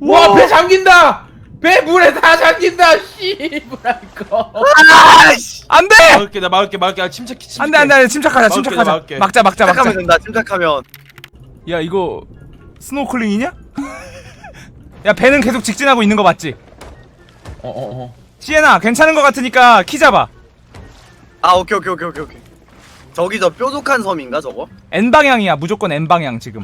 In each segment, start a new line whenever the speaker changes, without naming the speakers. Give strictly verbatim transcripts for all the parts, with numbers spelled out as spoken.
와, 배 잠긴다. 배 물에 다 잠긴다. 씨부랄 거.
아이씨.
안돼!
막을게, 나 막을게, 막을게. 아, 침착해, 침착해.
안돼 안돼 안돼 침착하자
막을게,
침착하자.
막을게.
막자 막자 막자.
침착하면 된다. 침착하면.
야 이거 스노클링이냐? 야 배는 계속 직진하고 있는 거 맞지?
어, 어, 어.
시에나 괜찮은 거 같으니까 키 잡아.
아 오케이 오케이 오케이 오케이 오케이. 저기 저 뾰족한 섬인가 저거?
N 방향이야 무조건 N 방향 지금.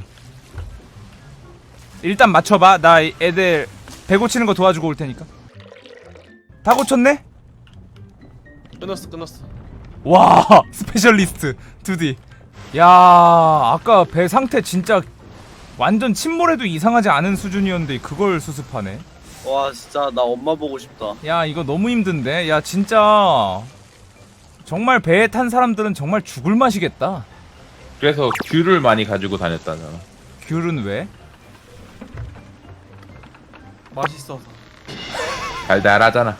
일단 맞춰봐. 나 애들 배 고치는 거 도와주고 올 테니까. 다 고쳤네?
끊었어, 끊었어.
와 스페셜리스트 투디. 야 아까 배 상태 진짜 완전 침몰해도 이상하지 않은 수준이었는데 그걸 수습하네.
와 진짜 나 엄마 보고 싶다.
야 이거 너무 힘든데. 야 진짜 정말 배에 탄 사람들은 정말 죽을 맛이겠다.
그래서 귤을 많이 가지고 다녔다잖아.
귤은 왜?
맛있어서. 달달하잖아.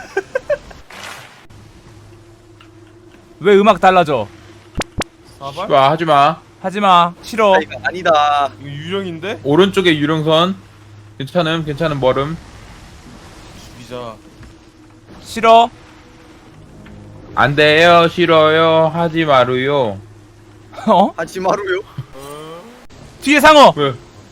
왜 음악 달라져?
사발? 와, 하지마.
하지마 싫어.
아, 이거 아니다.
이거 유령인데?
오른쪽에 유령선. 괜찮음 괜찮음 멀음.
죽이자.
싫어.
안돼요 싫어요 하지 마루요.
어?
하지마루요.
뒤에 상어.
왜?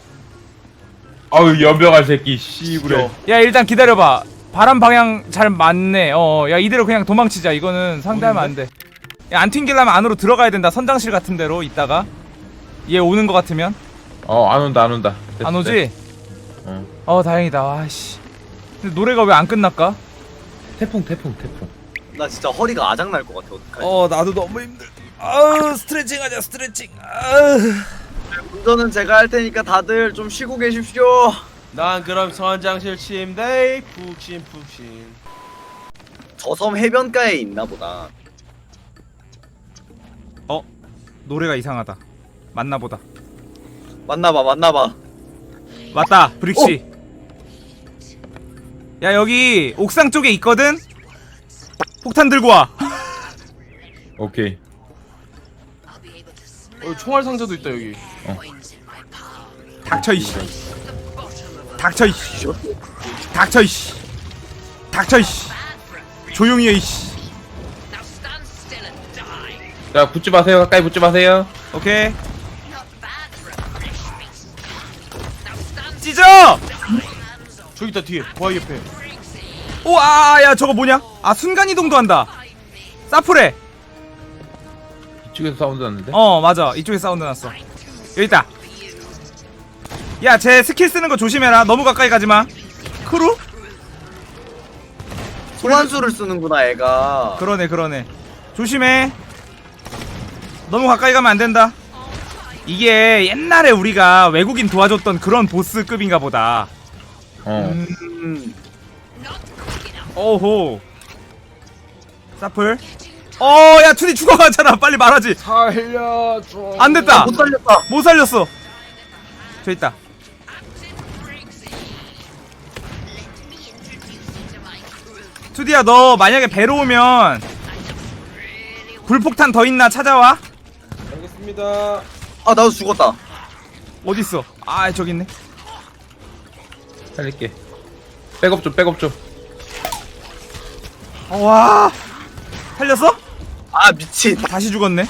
아유 연병할 새끼 씨부래.
야 일단 기다려봐. 바람 방향 잘 맞네. 어, 야 이대로 그냥 도망치자. 이거는 상대하면 안 돼. 야 안 튕기려면 안으로 들어가야 된다. 선장실 같은 데로 있다가 얘 오는 거 같으면.
어 안 온다 안 온다. 됐어,
안 오지?
됐어. 어.
어 다행이다. 와씨. 근데 노래가 왜 안 끝날까?
태풍 태풍 태풍.
나 진짜 허리가 아작 날 것 같아. 어떡하지?
어 나도 너무 힘들. 아우 스트레칭 하자 스트레칭. 아우.
운전은 제가 할 테니까 다들 좀 쉬고 계십시오.
난 그럼 선장실 침대 푹신 푹신.
저 섬 해변가에 있나 보다.
어 노래가 이상하다. 맞나 보다.
맞나봐 맞나봐.
맞다 브릭시. 야 여기 옥상 쪽에 있거든. 폭탄 들고 와.
오케이.
어, 총알 상자도 있다 여기.
닥쳐 이씨. 닥쳐 이씨. 닥쳐 이씨. 닥쳐 이씨. 조용히 해 이씨.
자 붙지 마세요 가까이 붙지 마세요.
오케이. 찢어.
저기 있다 뒤에. 바위 옆에.
오아 야 저거 뭐냐? 아 순간 이동도 한다. 사프레.
이쪽에서 사운드 났는데.
어 맞아 이쪽에 사운드 났어. 여기 있다. 야 쟤 스킬 쓰는 거 조심해라. 너무 가까이 가지마. 크루?
소환수를 쓰는구나 애가.
그러네 그러네. 조심해. 너무 가까이 가면 안 된다. 이게 옛날에 우리가 외국인 도와줬던 그런 보스급인가 보다.
어.
음.
오호. 사플. 어야 투디 죽어가잖아. 빨리 말하지.
살려줘.
안 됐다.
못 살렸다.
못 살렸어. 저 있다. 투디야 너 만약에 배로 오면 불폭탄 더 있나 찾아와.
알겠습니다.
아 나도 죽었다.
어딨어? 아 저기 있네.
살릴게. 백업 좀 백업 좀.
어, 와 살렸어?
아 미친.
다시 죽었네.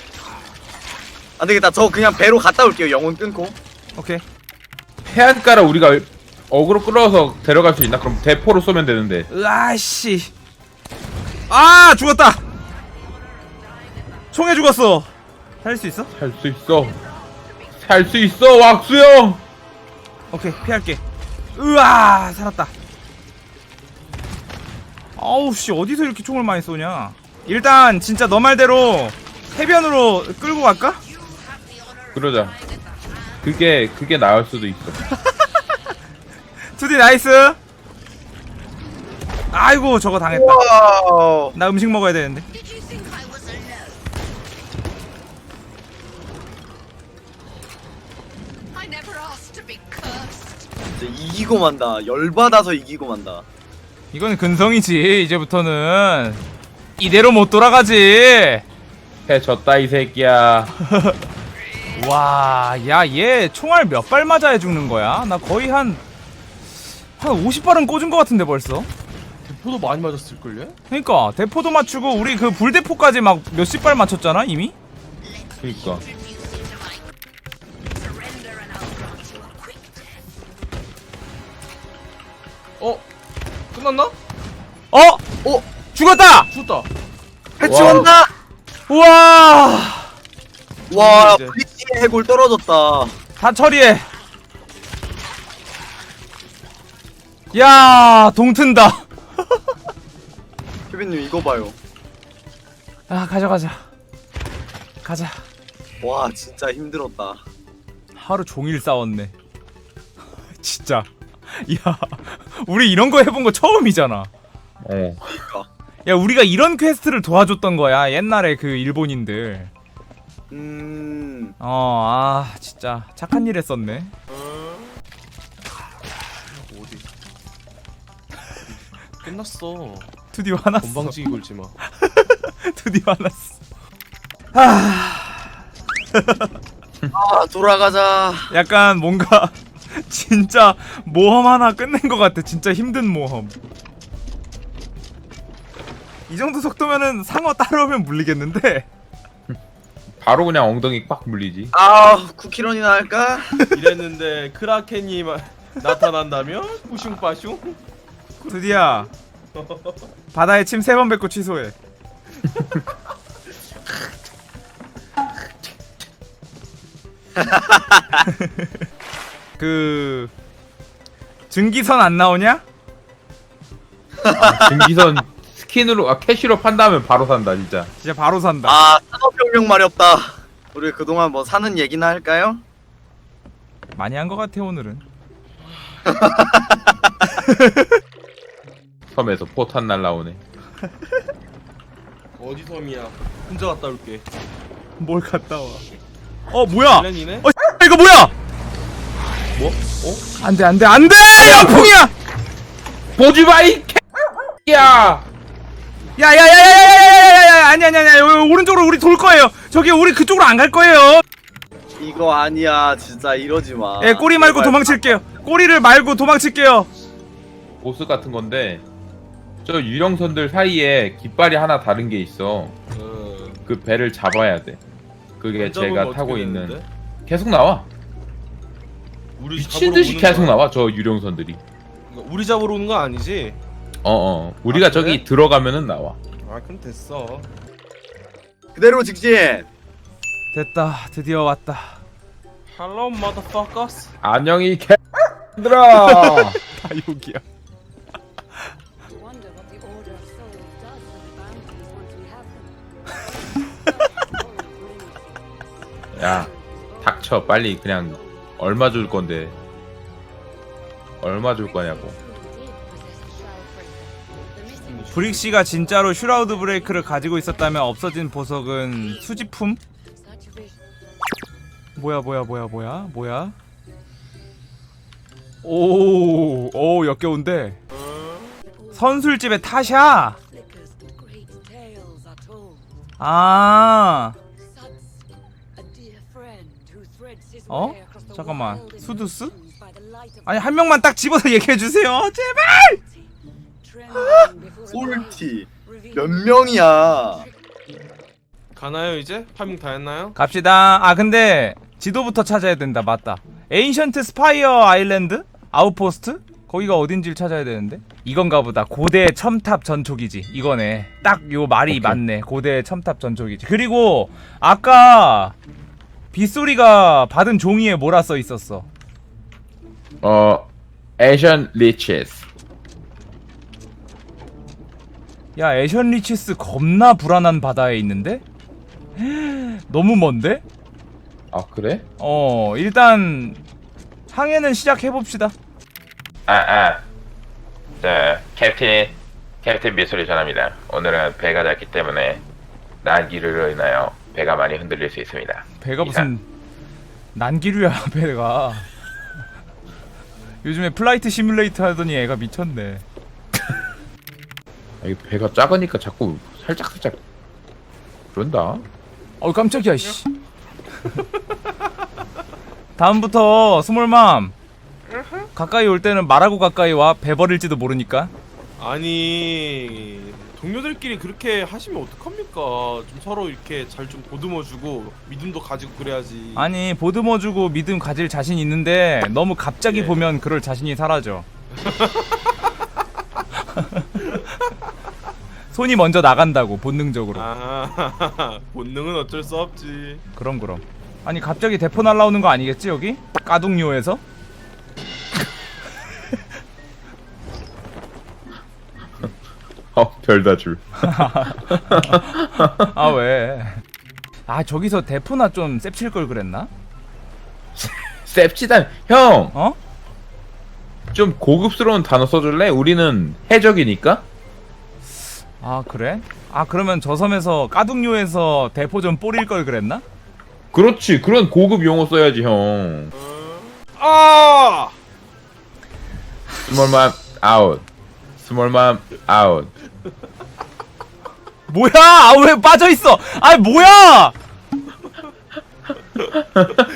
안되겠다. 저 그냥 배로 갔다 올게요. 영혼 끊고.
오케이.
해안가라 우리가 어그로 끌어서 데려갈 수 있나? 그럼 대포로 쏘면 되는데.
으아씨. 아 죽었다. 총에 죽었어. 살릴 수 있어?
살 수 있어. 살 수 있어 왁수형.
오케이 피할게. 으아 살았다. 아우씨 어디서 이렇게 총을 많이 쏘냐. 일단 진짜 너 말대로 해변으로 끌고 갈까?
그러자. 그게 그게 나을 수도 있어.
투디 나이스. 아이고 저거 당했다.
와우.
나 음식 먹어야 되는데.
진짜 이기고 만다. 열받아서 이기고 만다.
이건 근성이지. 이제부터는 이대로 못 돌아가지.
해 졌다 이 새끼야.
와, 야, 얘 총알 몇 발 맞아야 죽는 거야? 나 거의 한 한 오십 발은 꽂은 것 같은데 벌써.
대포도 많이 맞았을걸요?
그러니까 대포도 맞추고 우리 그 불대포까지 막 몇십 발 맞췄잖아 이미.
그니까.
어? 끝났나?
어?
어?
죽었다.
죽었다.
해치
와.
온다.
우와.
와
이제.
브리치의 해골 떨어졌다.
다 처리해. 야 동튼다.
케빈님 이거 봐요.
아 가져가자. 가자.
와 진짜 힘들었다.
하루 종일 싸웠네. 진짜. 야 우리 이런 거 해본 거 처음이잖아.
어.
그러니까.
야 우리가 이런 퀘스트를 도와줬던 거야 옛날에 그 일본인들.
음.
어 아 진짜 착한 일 했었네.
어디? 끝났어.
드디어 화났어.
건방지게 굴지 마.
드디어 화났어.
아 돌아가자.
약간 뭔가 진짜 모험 하나 끝낸 것 같아. 진짜 힘든 모험. 이 정도 속도면은 상어 따라오면 물리겠는데.
바로 그냥 엉덩이 빡 물리지.
아 쿠키런이나 할까?
이랬는데 크라켄이 마- 나타난다면 뿌슝빠슝.
드디어 바다에 침 세 번 뱉고 취소해. 그 증기선 안 나오냐?
아, 증기선 스킨으로 아 캐시로 판다면 바로 산다 진짜.
진짜 바로 산다.
아 산업혁명 마렵다. 우리 그동안 뭐 사는 얘기나 할까요?
많이 한 것 같아 오늘은.
섬에서 포탄 날라오네.
어디 섬이야? 혼자 갔다 올게.
뭘 갔다 와? 어 뭐야?
렌이네?
어 이거 뭐야?
뭐? 어?
안돼 안돼 안돼 양풍이야!
보지 마이 개야.
야야야야야야야야야 아니 아니 아니 여기 오른쪽으로 우리 돌 거예요. 저기 우리 그쪽으로 안 갈 거예요.
이거 아니야 진짜 이러지 마.
예 꼬리 말고
제발.
도망칠게요. 꼬리를 말고 도망칠게요.
보스 같은 건데 저 유령선들 사이에 깃발이 하나 다른 게 있어.
어.
그 배를 잡아야 돼. 그게
안 잡으면
제가
어떻게
타고
되는데?
있는 계속 나와.
우리
미친
잡으러
듯이
오는
계속
거야?
나와 저 유령선들이.
우리 잡으러 오는 거 아니지?
어어 우리가
아, 그래?
저기 들어가면은 나와.
아 그럼 됐어.
그대로 직진.
됐다 드디어 왔다.
Hello motherfuckers.
안녕히 개들아.
다 여기야.
Wonder what the Order of Souls does with the bounties once we have them.
야 닥쳐 빨리. 그냥 얼마 줄 건데. 얼마 줄 거냐고.
브릭씨가 진짜로 슈라우드 브레이크를 가지고 있었다면 없어진 보석은 수집품? 뭐야 뭐야 뭐야 뭐야 뭐야? 오, 오 역겨운데. 선술집의 타샤. 아, 어? 잠깐만, 수두스? 아니 한 명만 딱 집어서 얘기해 주세요, 제발.
꼴티 몇 명이야?
가나요 이제? 파밍 다 했나요?
갑시다. 아 근데 지도부터 찾아야 된다. 맞다. 에인션트 스파이어 아일랜드? 아웃포스트? 거기가 어딘지를 찾아야 되는데. 이건가 보다. 고대 첨탑 전초기지. 이거네. 딱 요 말이
오케이.
맞네. 고대 첨탑 전초기지. 그리고 아까 빗소리가 받은 종이에 뭐라 써 있었어?
어 에션 리치스.
야, 애션 리치스 겁나 불안한 바다에 있는데? 너무 먼데?
아 그래?
어, 일단 항해는 시작해봅시다.
아아 자 캡틴 캡틴 미소리 전합니다. 오늘은 배가 작기 때문에 난기류로 인하여 배가 많이 흔들릴 수 있습니다.
배가 무슨 난기류야 배가. 요즘에 플라이트 시뮬레이터 하더니 애가 미쳤네.
아, 이 배가 작으니까 자꾸 살짝 살짝 그런다.
어우 깜짝이야 씨. 다음부터 스몰맘 가까이 올 때는 말하고 가까이 와. 배 버릴지도 모르니까.
아니 동료들끼리 그렇게 하시면 어떡합니까? 좀 서로 이렇게 잘 좀 보듬어주고 믿음도 가지고 그래야지.
아니 보듬어주고 믿음 가질 자신 있는데 너무 갑자기
예.
보면 그럴 자신이 사라져. 손이 먼저 나간다고 본능적으로.
아 본능은 어쩔 수 없지.
그럼 그럼. 아니 갑자기 대포 날라오는 거 아니겠지 여기? 까둥요에서?
어 별다 줄.
아 왜? 아 저기서 대포나 좀 셉칠 걸 그랬나?
셉치단 형.
어?
좀 고급스러운 단어 써줄래? 우리는 해적이니까.
아 그래? 아 그러면 저 섬에서 까둥요에서 대포 좀 뿌릴 걸 그랬나?
그렇지. 그런 고급 용어 써야지 형.
아
스몰맘 아웃. 스몰맘 아웃.
뭐야? 아 왜 빠져 있어? 아 뭐야?